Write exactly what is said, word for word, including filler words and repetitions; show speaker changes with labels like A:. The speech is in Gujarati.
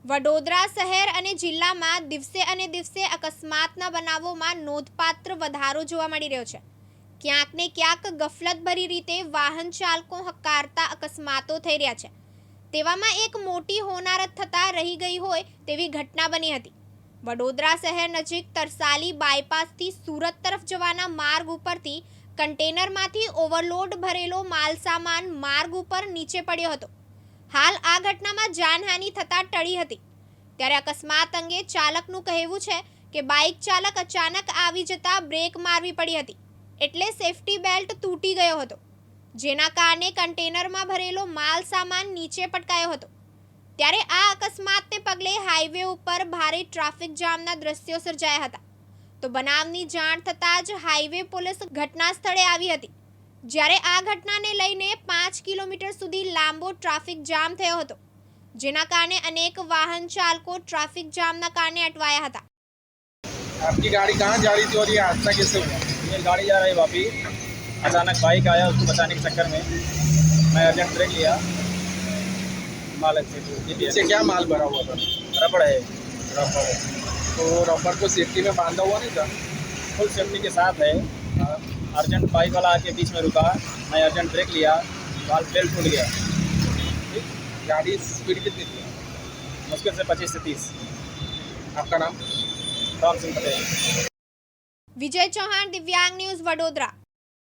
A: વડોદરા શહેર અને જિલ્લામાં દિવસે અને દિવસે અકસ્માતના બનાવોમાં નોંધપાત્ર વધારો જોવા મળી રહ્યો છે। ક્યાંક ને ક્યાંક ગફલતભરી રીતે વાહન ચાલકો હકારતા અકસ્માતો થઈ રહ્યા છે। તેવામાં એક મોટી હોનારત થતાં રહી ગઈ હોય તેવી ઘટના બની હતી। વડોદરા શહેર નજીક તરસાલી બાયપાસથી સુરત તરફ જવાના માર્ગ ઉપરથી કન્ટેનરમાંથી ઓવરલોડ ભરેલો માલસામાન માર્ગ ઉપર નીચે પડ્યો હતો। હાલ આ ઘટનામાં જાનહાનિ થતાં ટળી હતી। ત્યારે અકસ્માત અંગે ચાલકનું કહેવું છે કે બાઇક ચાલક અચાનક આવી જતા બ્રેક મારવી પડી હતી, એટલે સેફટી બેલ્ટ તૂટી ગયો હતો, જેના કારણે કન્ટેનરમાં ભરેલો માલ સામાન નીચે પટકાયો હતો। ત્યારે આ અકસ્માતને પગલે હાઈવે ઉપર ભારે ટ્રાફિક જામના દ્રશ્યો સર્જાયા હતા। તો બનાવની જાણ થતાં જ હાઈવે પોલીસ ઘટના સ્થળે આવી હતી, જ્યારે આ ઘટનાને લઈને પાંચ કિલોમીટર સુધી લાંબો ટ્રાફિક જામ થયો હતો, જેના કારણે અનેક વાહન ચાલકો ટ્રાફિક જામના કારણે અટવાયા હતા।
B: आपकी गाड़ी कहाँ जा रही थी और ये हादसा कैसे हुआ?
C: ये गाड़ी जा रही वापी, अचानक बाइक आया, उसको बचाने के चक्कर में मैं अर्जेंट ब्रेक लिया, माल से
B: पीछे क्या माल भरा हुआ था?
C: रबड़ है,
B: रबर। तो रबर को सेफ्टी में बांधा हुआ नहीं था?
C: फुल सेफ्टी के साथ है। अर्जेंट बाइक वाला आके बीच में रुका, मैं अर्जेंट ब्रेक लिया, वाल बेल्ट टूट गया।
B: गाड़ी स्पीड कितनी थी?
C: मुश्किल से पच्चीस से तीस।
B: आपका नाम?
C: राम सिंह पटेल।
A: વિજય ચૌહાણ, દિવ્યાંગ ન્યૂઝ, વડોદરા।